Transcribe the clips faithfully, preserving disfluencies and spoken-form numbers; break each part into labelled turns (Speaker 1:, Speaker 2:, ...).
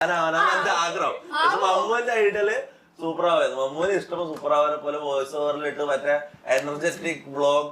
Speaker 1: ഞാനാണ് എന്റെ ആഗ്രഹം. മമ്മൂന്റെ ഐഡിയല് സൂപ്പർ ആവായിരുന്നു. മമ്മൂന് ഇഷ്ടം സൂപ്പർ ആവാനെ പോലെ വോയിസ് ഓവറിലിട്ട് മറ്റേ എനർജറ്റിക് വ്ളോഗ്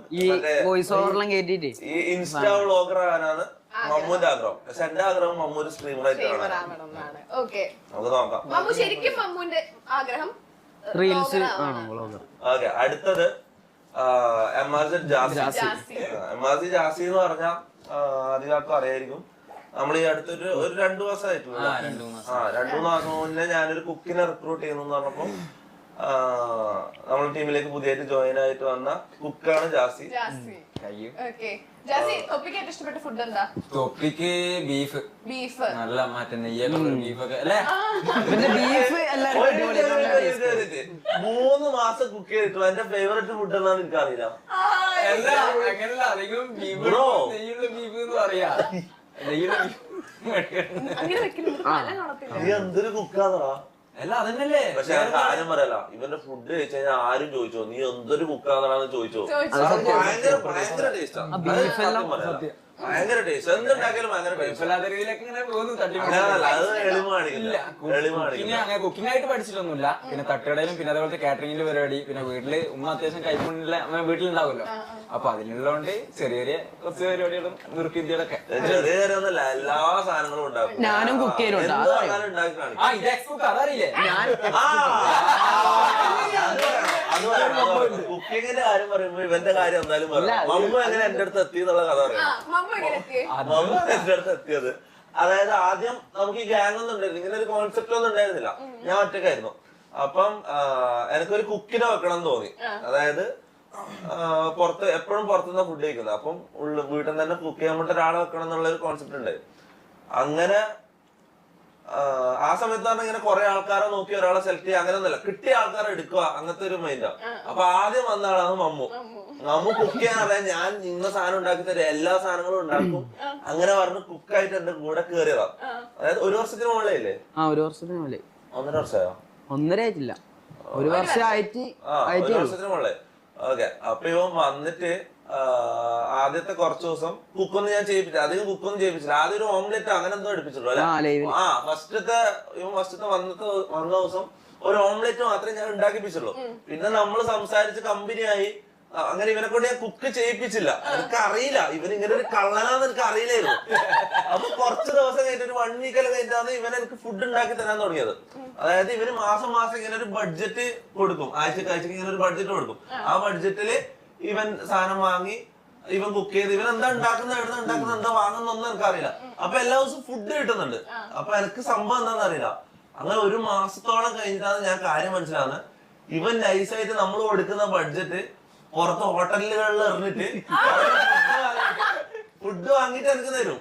Speaker 1: ഈ ഇൻസ്റ്റാ വ്ളോഗർ ആകാനാണ് മമ്മൂന്റെ ആഗ്രഹം. പക്ഷെ എന്റെ ആഗ്രഹം മമ്മൂര് സ്ട്രീമറായിട്ട് കാണാൻ. നമുക്ക് നോക്കാം.
Speaker 2: ശരിക്കും മമ്മൂന്റെ ആഗ്രഹം
Speaker 3: റീൽസ്.
Speaker 1: ഓക്കെ, അടുത്തത് M R G Jassi. M R G Jassi എന്ന് പറഞ്ഞാൽ അധികം അറിയായിരിക്കും. നമ്മൾ ഈ അടുത്തൊരു ഒരു രണ്ടു മാസമായിട്ടുള്ള ആ രണ്ടു മൂന്ന് മാസം മുന്നേ ഞാനൊരു കുക്കിനെ റിക്രൂട്ട് ചെയ്യുന്നു പറഞ്ഞപ്പോ നമ്മുടെ ടീമിലേക്ക് പുതിയതായിട്ട് ജോയിൻ ആയിട്ട് വന്ന കുക്കാണ് ജാസി.
Speaker 4: തൊപ്പിക്ക് ബീഫ്
Speaker 2: ബീഫ്
Speaker 4: നല്ല മറ്റേ നെയ്യൊക്കെ ബീഫൊക്കെ അല്ലേ.
Speaker 1: മൂന്ന് മാസം കുക്ക് ചെയ്തിട്ടു. എന്റെ ഫേവറേറ്റ് ഫുഡ് എന്നാണ് എനിക്കറിയില്ല.
Speaker 4: അങ്ങനെയല്ല, അധികം ബീഫ് നെയ്യുള്ള ബീഫ് എന്ന് പറയാ.
Speaker 1: എന്തൊരു കുക്കാന്നടാ.
Speaker 4: അല്ല അതന്നല്ലേ.
Speaker 1: പക്ഷെ ഞാൻ കാര്യം പറയല, ഇവന്റെ ഫുഡ് കഴിച്ചു കഴിഞ്ഞാൽ ആരും ചോദിച്ചോ നീ എന്തൊരു കുക്കാന്നാണെന്ന് ചോദിച്ചോ. ഭയങ്കര ഭയങ്കര ടേസ്റ്റാണ്. ഭയങ്കര ടേസ്റ്റ്. എന്തുണ്ടാക്കിയാലും ഭയങ്കര
Speaker 4: കുക്കിംഗ് ആയിട്ട് പഠിച്ചിട്ടൊന്നുമില്ല. പിന്നെ തട്ടുകടയിലും പിന്നെ അതേപോലത്തെ കാറ്ററിംഗിന്റെ പരിപാടി, പിന്നെ വീട്ടില് ഉമ്മ അത്യാവശ്യം കൈപ്പുണ്ണില്ല വീട്ടിലുണ്ടാവുമല്ലോ. അപ്പൊ അതിനുള്ളതുകൊണ്ട് ചെറിയ ചെറിയ കുറച്ച് പരിപാടികളും നുറുക്കിന്ത്യകളൊക്കെ
Speaker 1: ചെറിയ ചെറിയൊന്നല്ല, എല്ലാ സാധനങ്ങളും ഉണ്ടാക്കും.
Speaker 3: ഞാനും കുക്ക് ചെയ്യലുണ്ട്.
Speaker 4: അതറിയില്ലേ.
Speaker 1: കുക്കിങ്ങിന്റെ കാര്യം പറയുമ്പോ ഇവന്റെ കാര്യം എന്തായാലും പറയാം. മമ്മ എങ്ങനെ എന്റെ അടുത്ത് എത്തി എന്നുള്ള കഥ പറയാം. മമ്മ എന്റെ അടുത്ത് എത്തിയത്, അതായത് ആദ്യം നമുക്ക് ഈ ഗ്യാങ് ഒന്നും ഉണ്ടായിരുന്നു, ഇങ്ങനെ ഒരു കോൺസെപ്റ്റ് ഒന്നും ഉണ്ടായിരുന്നില്ല. ഞാൻ ഒറ്റക്കായിരുന്നു. അപ്പം എനിക്കൊരു കുക്കിനെ വെക്കണം എന്ന് തോന്നി. അതായത് പുറത്ത് എപ്പോഴും പുറത്തുനിന്ന് ഫുഡ് കഴിക്കുന്നത്. അപ്പം ഉള്ള വീട്ടിൽ തന്നെ കുക്ക് ചെയ്യാൻ വേണ്ടി ഒരാളെ വെക്കണം എന്നുള്ള ഒരു കോൺസെപ്റ്റ് ഉണ്ടായി. അങ്ങനെ ആ സമയത്ത് പറഞ്ഞാൽ ഇങ്ങനെ കുറെ ആൾക്കാരെ നോക്കി ഒരാളെ സെലക്ട് ചെയ്യുക അങ്ങനെ ഒന്നുമല്ല, കിട്ടിയ ആൾക്കാരെ എടുക്കുക, അങ്ങനത്തെ ഒരു മൈൻഡാ. അപ്പൊ ആദ്യം വന്ന ആളാണ് മമ്മു. മമ്മു കുക്ക് ചെയ്യാൻ അറിയാൻ ഞാൻ ഇന്ന സാധനം ഉണ്ടാക്കി തരാം, എല്ലാ സാധനങ്ങളും ഉണ്ടാക്കും അങ്ങനെ പറഞ്ഞ് കുക്കായിട്ട് എന്റെ കൂടെ കയറിയതാ. അതായത് ഒരു വർഷത്തിന് മുകളിലേ ഇല്ലേ?
Speaker 3: ആ ഒരു വർഷത്തിന് മുകളിൽ.
Speaker 1: ഒന്നര വർഷമായോ?
Speaker 3: ഒന്നര ആയിട്ടില്ല, ഒരു വർഷമായിട്ട്.
Speaker 1: ഒരു വർഷത്തിന് മുകളിൽ. ഓക്കെ, അപ്പൊ ഇവൻ വന്നിട്ട് ആദ്യത്തെ കുറച്ച് ദിവസം കുക്കൊന്നും ഞാൻ ചെയ്യിപ്പിച്ചില്ല, അധികം കുക്കൊന്നും ചെയ്യിപ്പിച്ചില്ല. ആദ്യം ഒരു ഓംലെറ്റ് അങ്ങനെ എന്തോ എടുപ്പിച്ചിട്ടുള്ളൂ അല്ലെ. ആ ഫസ്റ്റത്തെ ഇവൻ ഫസ്റ്റത്തെ വന്നത്തെ വന്ന ദിവസം ഒരു ഓംലെറ്റ് മാത്രമേ ഞാൻ ഉണ്ടാക്കിപ്പിച്ചുള്ളൂ. പിന്നെ നമ്മൾ സംസാരിച്ച് കമ്പനിയായി. അങ്ങനെ ഇവനെ കൊണ്ട് ഞാൻ കുക്ക് ചെയ്യിപ്പിച്ചില്ല. എനിക്ക് അറിയില്ല ഇവൻ ഇങ്ങനെ ഒരു കള്ളനാന്ന് എനിക്ക് അറിയില്ലായിരുന്നു. അപ്പൊ കുറച്ച് ദിവസം കഴിഞ്ഞിട്ട് ഒരു വൺ വീക്കെല്ലാം കഴിഞ്ഞിട്ടാണ് ഇവൻ എനിക്ക് ഫുഡ് ഉണ്ടാക്കി തരാൻ തുടങ്ങിയത്. അതായത് ഇവന് മാസം മാസം ഇങ്ങനെ ഒരു ബഡ്ജറ്റ് കൊടുക്കും, ആഴ്ചക്ക് ആഴ്ചക്ക് ഇങ്ങനെ ഒരു ബഡ്ജറ്റ് കൊടുക്കും. ആ ബഡ്ജറ്റില് ഇവൻ സാധനം വാങ്ങി ഇവൻ കുക്ക് ചെയ്ത് ഇവൻ എന്താ ഉണ്ടാക്കുന്ന എവിടെ ഉണ്ടാക്കുന്ന എന്താ വാങ്ങുന്നൊന്നും എനിക്കറിയില്ല. അപ്പൊ എല്ലാ ദിവസവും ഫുഡ് കിട്ടുന്നുണ്ട്. അപ്പൊ എനിക്ക് സംഭവം എന്താണെന്ന് അറിയില്ല. അങ്ങനെ ഒരു മാസത്തോളം കഴിഞ്ഞിട്ടാണ് ഞാൻ കാര്യം മനസ്സിലാവുന്നത്. ഇവൻ നൈസായിട്ട് നമ്മൾ കൊടുക്കുന്ന ബഡ്ജറ്റ് പുറത്ത് ഹോട്ടലുകളിൽ എറിഞ്ഞിട്ട് ഫുഡ് വാങ്ങിട്ട് എനിക്ക് തരും.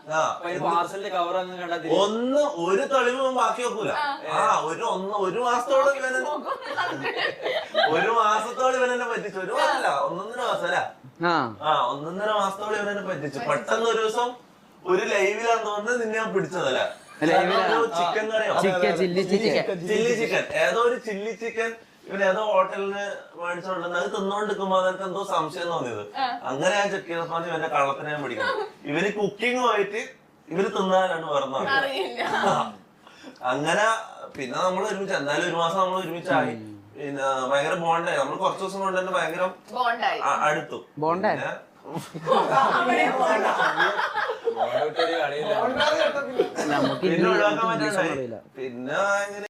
Speaker 1: ഒന്ന് ഒരു തെളിവ് ബാക്കി വെക്കൂല. ആ ഒരു ഒന്ന് ഒരു മാസത്തോളം ഇവൻ ഒരു മാസത്തോളം ഇവൻ എന്നെ പറ്റിച്ചു. ഒരു മാസമല്ല, ഒന്നൊന്നര മാസം അല്ല. ആ ഒന്നൊന്നര മാസത്തോളം ഇവൻ എന്നെ പറ്റിച്ചു. പെട്ടെന്ന് ഒരു ദിവസം ഒരു ലൈവിലാന്ന് തോന്നുന്നത് നിന്നെ ഞാൻ പിടിച്ചതല്ല. ചിക്കൻ കറിയോ ചില്ലി ചിക്കൻ, ഏതോ ഒരു ചില്ലി ചിക്കൻ ഇവൻ ഏതോ ഹോട്ടലിന് മേടിച്ചോണ്ടെന്ന് അത് തിന്നോണ്ടിരിക്കുമ്പോ അതെനിക്ക് എന്തോ സംശയം തോന്നിയത്. അങ്ങനെ ഞാൻ ചെക്ക് ചെയ്തപ്പോ ഇവന്റെ കള്ളത്തിനെ ഞാൻ പിടിക്കണം. ഇവന് കുക്കിംഗ് പോയിട്ട് ഇവര് തിന്നാനാണ് പറഞ്ഞത്. അങ്ങനെ പിന്നെ നമ്മൾ ഒരുമിച്ച് എന്തായാലും ഒരു മാസം നമ്മൾ ഒരുമിച്ചായി. പിന്നെ ഭയങ്കര ബോണ്ടായി. നമ്മൾ കുറച്ച് ദിവസം കൊണ്ട് തന്നെ ഭയങ്കര അടുത്തു. പിന്നെ ഒഴിവാക്കാൻ പറ്റില്ല. പിന്നെ